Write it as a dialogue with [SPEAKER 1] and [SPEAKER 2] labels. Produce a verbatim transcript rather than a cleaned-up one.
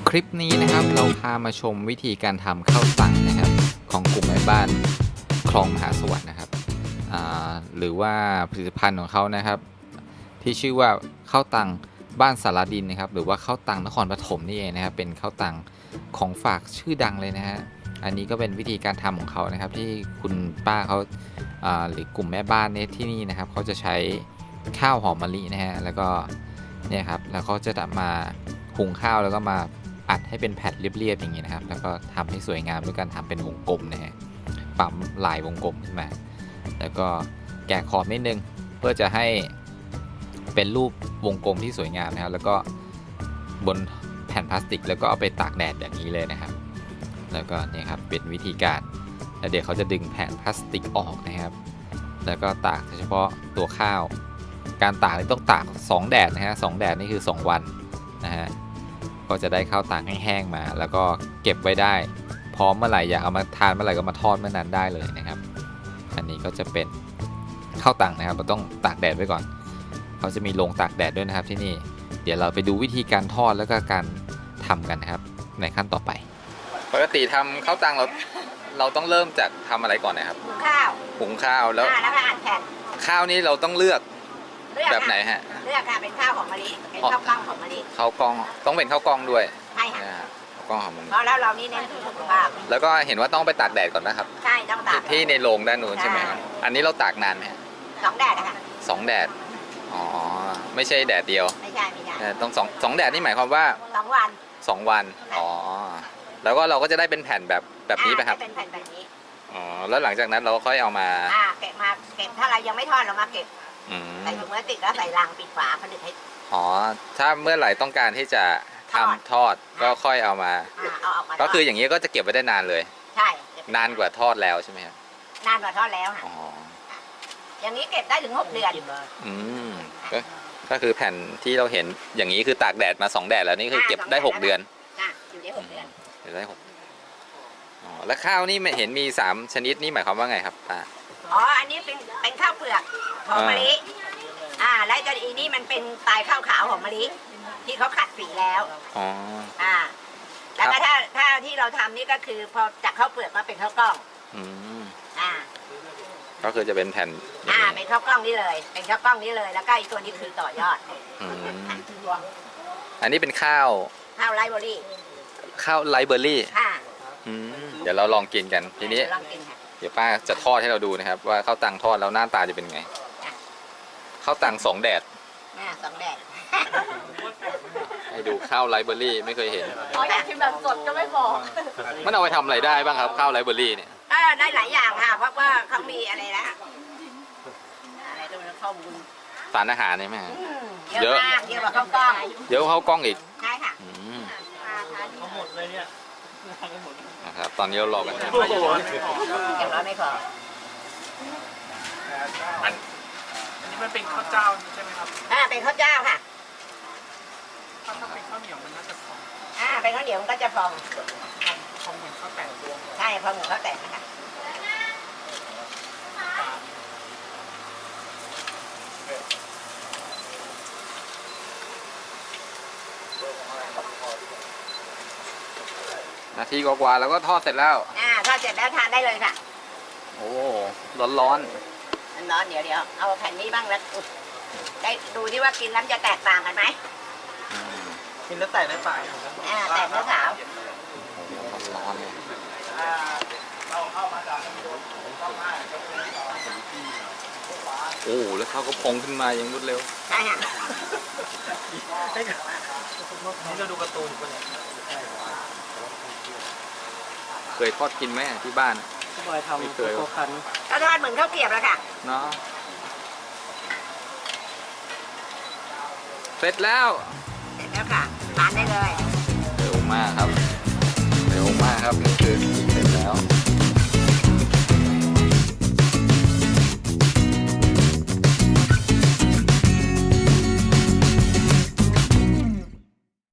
[SPEAKER 1] คลิปนี้นะครับเราพามาชมวิธีการทำข้าวตังนะครับของกลุ่มแม่บ้านคลองมหาสวัสดิ์นะครับหรือว่าผลิตภัณฑ์ของเขานะครับที่ชื่อว่าข้าวตังบ้านสารดินนะครับหรือว่าข้าวตังนครปฐมนี่เองนะครับเป็นข้าวตังของฝากชื่อดังเลยนะฮะอันนี้ก็เป็นวิธีการทำของเขานะครับที่คุณป้าเขาหรือกลุ่มแม่บ้านเนี่ยที่นี่นะครับเขาจะใช้ข้าวหอมมะลินะฮะแล้วก็เนี่ยครับแล้วเขาจะมาหุงข้าวแล้วก็มาอัดให้เป็นแผ่นเรียบๆอย่างนี้นะครับแล้วก็ทำให้สวยงามด้วยการทำเป็นวงกลมนะฮะปั๊มลายวงกลมขึ้นมาแล้วก็แกะขอบนิดนึงเพื่อจะให้เป็นรูปวงกลมที่สวยงามนะครับแล้วก็บนแผ่นพลาสติกแล้วก็เอาไปตากแดดแบบนี้เลยนะครับแล้วก็เนี่ยครับเป็นวิธีการแล้วเดี๋ยวเขาจะดึงแผ่นพลาสติกออกนะครับแล้วก็ตากเฉพาะตัวข้าวการตากนี่ต้องตากสองแดดนะฮะสองแดดนี่คือสองวันนะฮะก็จะได้ข้าวตากแห้งๆมาแล้วก็เก็บไว้ได้พร้อมเมื่อไหร่อยากเอามาทานเมื่อไหร่ก็มาทอดเมื่อนั้นได้เลยนะครับอันนี้ก็จะเป็นข้าวตังนะครับเราต้องตากแดดไว้ก่อนเขาจะมีโรงตากแดดด้วยนะครับที่นี่เดี๋ยวเราไปดูวิธีการทอดแล้วก็การทำกันนะครับในขั้นต่อไปปกติทำข้าวตังเราเราต้องเริ่มจากทำอะไรก่อนนะครับ
[SPEAKER 2] หุงข้าว
[SPEAKER 1] หุงข้าวแล้ว
[SPEAKER 2] แล้วก็อัดแผ่น
[SPEAKER 1] ข้าวนี้เราต้องเลือกแบบไหนฮะ
[SPEAKER 2] เลือกค่ะเป็นข้าวหอมมะลิเป็นข้าวกล้องหอมมะลิ
[SPEAKER 1] ข้าวกล้องต้องเป็นข้าวกล้องด้วย
[SPEAKER 2] ใช่ค่ะ
[SPEAKER 1] ข้าวกล้องหอมมะลิ
[SPEAKER 2] เพราะแล้วเรานี่เน้นสุขภาพ
[SPEAKER 1] แล้วก็เห็นว่าต้องไปตากแดดก่อนนะครับ
[SPEAKER 2] ใช่ต้องตาก
[SPEAKER 1] ที่ในโรงด้านนู้นใช่ไหมครับอันนี้เราตากนานไหม
[SPEAKER 2] สองแดดนะคะ
[SPEAKER 1] สองแดดอ๋อไม่ใช่แดดเดียว
[SPEAKER 2] ไม่ใช่ไม่ใช่
[SPEAKER 1] ต้องสองสองแดดนี่หมายความว่า
[SPEAKER 2] สองวัน
[SPEAKER 1] สองวันอ๋อแล้วก็เราก็จะได้เป็นแผ่นแบบแบบนี้ไหมครับ
[SPEAKER 2] เป็นแผ่นแบบนี้
[SPEAKER 1] อ๋อแล้วหลังจากนั้นเราก็ค่อยเอามา
[SPEAKER 2] อ่าเก็บมาเก็บถ้าเรายังไม่ทอดเรามาเก็บใส่ถุงพลาสติกแล้วใส่ลังปิดฝาผนึกให้
[SPEAKER 1] อ๋อถ้าเมื่อไหร่ต้องการที่จะทำทอดก็ค่อยเอามา
[SPEAKER 2] เอาออกมา
[SPEAKER 1] ก็คืออย่างนี้ก็จะเก็บไว้ได้นานเลย
[SPEAKER 2] ใช่
[SPEAKER 1] นานกว่าทอดแล้วใช่ไหมครับ
[SPEAKER 2] นานกว่าทอดแล้วค่ะอย่างนี้เก็บได้ถึงหกเดือน
[SPEAKER 1] อืมก็ก็คือแผ่นที่เราเห็นอย่างนี้คือตากแดดมาสองแดดแล้วนี่คือเก็บได้หกเดือน
[SPEAKER 2] อยู่ได้หกเดือน
[SPEAKER 1] เก็บได้หกอ๋อแล้วข้าวนี่เห็นมีสามชนิดนี่หมายความว่าไงครับป้า
[SPEAKER 2] อ๋ออันนี้เป็นเป็นข้าวเปลือกหอมมะลิอ่าแล้วจะอีนี่มันเป็นปลายข้าวขาวหอมมะลิที่เขาขัดสีแล้ว
[SPEAKER 1] อ๋อ
[SPEAKER 2] อ่าแล้วก็ถ้าถ้าที่เราทำนี่ก็คือพอจากข้าวเปลือกมาเป็นข้าวกล้อง
[SPEAKER 1] อืม
[SPEAKER 2] อ่า
[SPEAKER 1] ก็คือจะเป็นแผ่น
[SPEAKER 2] อ่าเป็นข้าวกล้องนี่เลยเป็นข้าวกล้องนี่เลยแล้วก็อีกตัวนี้คือต่อยอด
[SPEAKER 1] อืมอันนี้เป็นข้าว
[SPEAKER 2] ข้าวไรเบอรี่
[SPEAKER 1] ข้าวไรเบอรี่
[SPEAKER 2] ค่ะ
[SPEAKER 1] อืมเดี๋ยวเราลองกินกันทีนี้เดี๋ยวป้าจะทอดให้เราดูนะครับว่าข้าวตังทอดแล้วหน้าตาจะเป็นไงข้าวตังสองแดด
[SPEAKER 2] สองแดด
[SPEAKER 1] ให้ดูข้าวไรเบอรี่ไม่เคยเห็น
[SPEAKER 2] อ๋ออยากกินแบบสดก็ไม่บอก
[SPEAKER 1] มันเอาไปทำอะไรได้บ้างครับข้าวไรเบอรี่เนี่ย
[SPEAKER 2] ได้หลายอย่างค่ะเพราะว่าเขามีอะไรนะอะไรตัวนี้ข้าวบุญ
[SPEAKER 1] สารอาหารใช่ไหม
[SPEAKER 2] เยอะมากเยอะกว่าข้าวกล้อง
[SPEAKER 1] เยอะกว่าข้าวกล้องอีก
[SPEAKER 2] ใช่ค่ะ
[SPEAKER 3] หมดเลยเนี่ย
[SPEAKER 1] นะครับตอนนี้เรารอกันนะ
[SPEAKER 2] อย่างน้อยไม่พอ
[SPEAKER 3] อันนี้มันเป็นข้าวเจ้าใช่ไหมครับ
[SPEAKER 2] อ่าเป็นข้าวเจ้าค่ะ
[SPEAKER 3] ถ้าถ้าเป็นข้าวเหนียวมันน่าจะพอง
[SPEAKER 2] อ่าเป็นข้าวเหนียวมันก็จะพอง
[SPEAKER 3] พองเหมือนข้าวแตก
[SPEAKER 2] ใช่พองเหมือนข้าวแตกนะคะ
[SPEAKER 1] นาทีกว่าๆแล้วก็ทอดเสร็จแล้ว
[SPEAKER 2] อ่าทอดเสร็จแล้วทานได้เลยค่ะ
[SPEAKER 1] โอ้ร้อนร้อน
[SPEAKER 2] ร้อนเดี๋ยวเดี๋ยวเอาแผ่นนี้บ้างแล้วได้ดูที่ว่ากินแล้วจะแตกต่างกันไหม
[SPEAKER 3] กินแล้วแตกไม่ปาก
[SPEAKER 2] อ่าแตกเนื้อขาว
[SPEAKER 1] ร้อนเลยโอ้แล้วเขาก็พองขึ้นมาอย่างรวดเร็ว
[SPEAKER 2] ใช่ค่ะ
[SPEAKER 3] นี่เราดูการ์ตูนกันเลย
[SPEAKER 1] เคยทอดกินไหมที่บ้าน
[SPEAKER 3] ไม่เคย
[SPEAKER 2] ก็ทอดเหมือนข้าวเกรี๊ยวแล้วค่ะ
[SPEAKER 1] เนาะเสร็จแล้ว
[SPEAKER 2] เสร็จแล้วค่ะทานได้เลย
[SPEAKER 1] เร็วมากครับเร็วมากครับนี่คือ